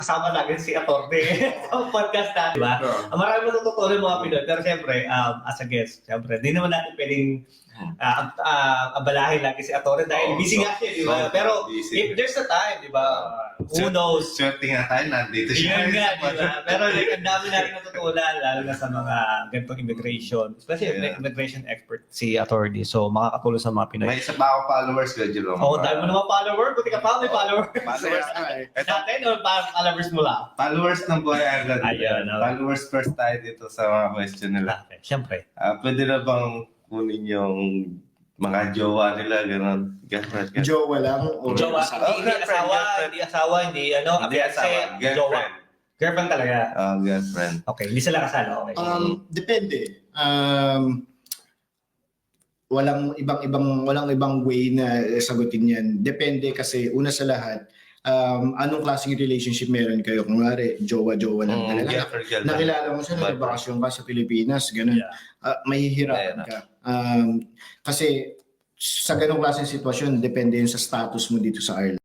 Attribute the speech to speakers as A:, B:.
A: kasama lagi si Atty. sa podcast natin, di ba? Marami matututunan mga Pinoy. Pero siyempre, as a guest, siyempre, di naman natin pwedeng abalahin lagi si Atty. dahil busy nga siya, di ba? Pero if there's a time, di ba? Who knows?
B: Swerte nga tayo, nandito siya.
A: Yun nga, di ba? Pero like, ang dami natin natutunan, lalo na sa mga ganitong immigration. Especially immigration expert si Atty. So, makakatulong sa mga Pinoy.
B: May isa pa ako followers ko, Jerome.
A: Oo, dahil mo naman follower. Buti ka pa, may follower.
B: Followers
A: Dati, no, followers mo lang.
B: Followers ng Boy Agad.
A: Ayun, okay.
B: Followers first tayo dito sa mga question nila.
A: Okay, siyempre.
B: Pwede na bang kunin yung mga jowa nila, gano'n? Girlfriend.
C: Jowa lang? O
A: Jowa, hindi
B: girlfriend.
A: asawa, hindi ano,
B: Hindi asawa,
A: jowa.
B: girlfriend.
A: Girlfriend talaga.
B: Girlfriend.
A: Okay, hindi sila kasal, okay.
C: Depende. Walang ibang way na sagutin yan. Depende kasi una sa lahat, anong klaseng relationship meron kayo? Kung nga jowa-jowa lang talaga.
B: Girlfriend.
C: Nakilala mo siya, nagbakasyon ka sa Pilipinas, ganun. Mahihirapan ka. Kasi sa ganong klaseng sitwasyon, depende yun sa status mo dito sa Ireland.